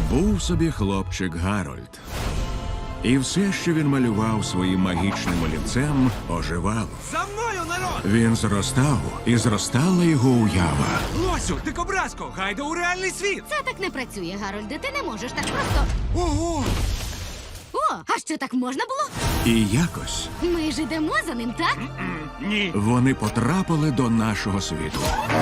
Був собі хлопчик Гарольд. І все, що він малював своїм магічним олівцем, оживало. За мною, народ! Він зростав, і зростала його уява. Лосю, дикобразко, гайда у реальний світ! Це так не працює, Гарольде. Ти не можеш так просто. Ого! О, а що так можна було? І якось Ми ж ідемо за ним, так? Ні! вони потрапили до нашого світу.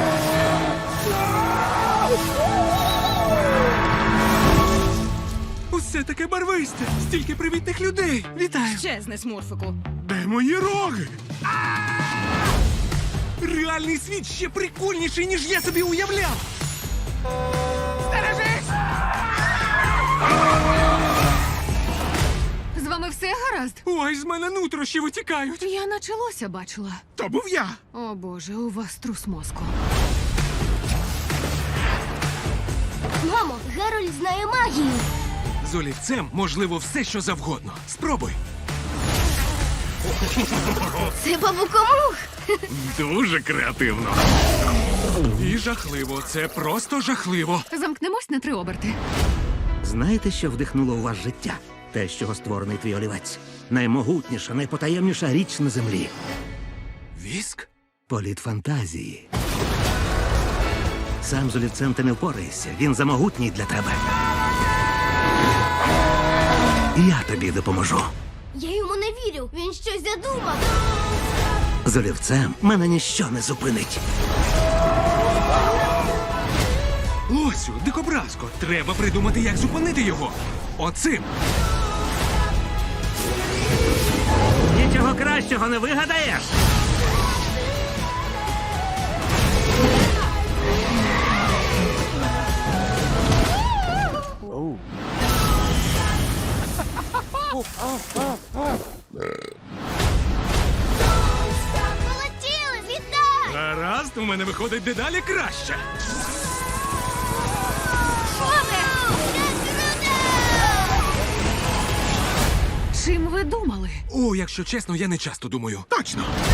Усе таке барвисте! Стільки привітних людей! Вітаю! Чесне, смурфику. Де мої роги? Реальний світ ще прикольніший, ніж я собі уявляв! Стережись! З вами все гаразд? Ой, з мене нутрощі витікають! Я наче лося бачила. То був я! О боже, у вас трус мозку. Мамо, Гарольд знає магію. З олівцем можливо все, що завгодно. Спробуй! Це бабукомух. Дуже креативно. І жахливо. Це просто жахливо. Замкнемось на 3 оберти. Знаєте, що вдихнуло у вас життя? Те, з чого створений твій олівець. Наймогутніша, найпотаємніша річ на землі. Віск? Політ фантазії. Сам з олівцем ти не впораєшся. Він замогутній для тебе. Я тобі допоможу. Я йому не вірю. Він щось задумав. З олівцем мене ніщо не зупинить. Лосю, дикобразко, треба придумати, як зупинити його. Оцим. Нічого кращого не вигадаєш. Полетіли, вітай! Гаразд, у мене виходить дедалі краще. Чим ви думали? О, якщо чесно, я не часто думаю. Точно!